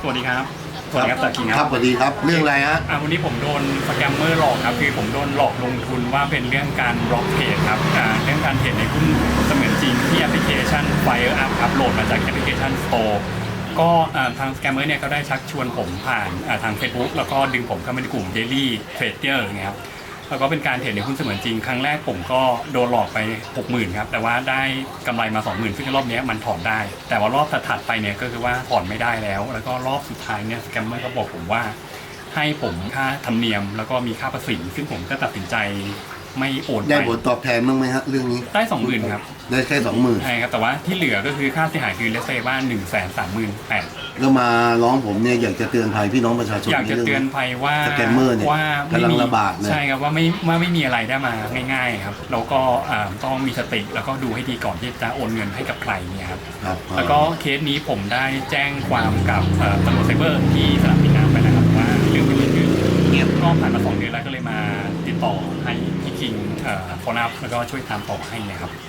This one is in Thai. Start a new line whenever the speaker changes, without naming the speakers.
วัสดีครับสวัสดีครับตะกี้
ครับสวัสดีครับเรื่องอะไรฮะ
วันนี้ผมโดนสแกมเมอร์หลอกครับคือผมโดนหลอกลงทุนว่าเป็นเรื่องการบล็อกเทรดครับเรื่องการเทรดในหุ้นเสมือนจริงที่แอปพลิเคชัน Fire Up ครับโหลดมาจากแอปพลิเคชัน Store ก็ทางสแกมเมอร์เนี่ยเขาได้ชักชวนผมผ่านทาง Facebook แล้วก็ดึงผมเข้ามาในกลุ่ม Daily Trader อย่างเงี้ยครับแล้วก็เป็นการเทรดในหุ้นเสมือนจริงครั้งแรกผมก็โดนหลอกไป 60,000 ครับแต่ว่าได้กำไรมา 20,000 ซึ่งรอบนี้มันถอนได้ แต่ว่ารอบถัดไปเนี่ยก็คือว่าถอนไม่ได้แล้วก็รอบสุดท้ายเนี่ยสแกมเมอร์ก็บอกผมว่าให้ผมค่าธรรมเนียมแล้วก็มีค่าภาษีซึ่งผมก็ตัดสินใจไม่โอนไป
ได้ผลตอบแทนบ้างไหมฮะเรื่องนี้
ได้ 20,000 ครับ
ได้แค่ 20,000
ใช่ครับแต่ว่าที่เหลือก็คือค่าเสียหายคือเลสเซว่า 138,000
แล้วมาร้องผมเนี่ยอยากจะเตือนภัยพี่น้องประชาชน
อยากจะเตือนภัยว่า
สแกมเมอร์เนี่ยกำลังระบาดเลย
ใช่ครับว่าไม่มีอะไรได้มาง่ายๆครับแล้วก็ต้องมีสติแล้วก็ดูให้ดีก่อนที่จะโอนเงินให้กับใครเนี่ยครับแล้วก็เคสนี้ผมได้แจ้งความกับตำรวจไซเบอร์ที่สนามบินน้ำไปนะครับว่าเรื่องที่เกิดขึ้นเงียบก็ผ่านมา2 เดือนแล้วก็เลยมาติดต่อให้พี่คิงฟอนับแล้วก็ช่วยตามต่อให้นะครับ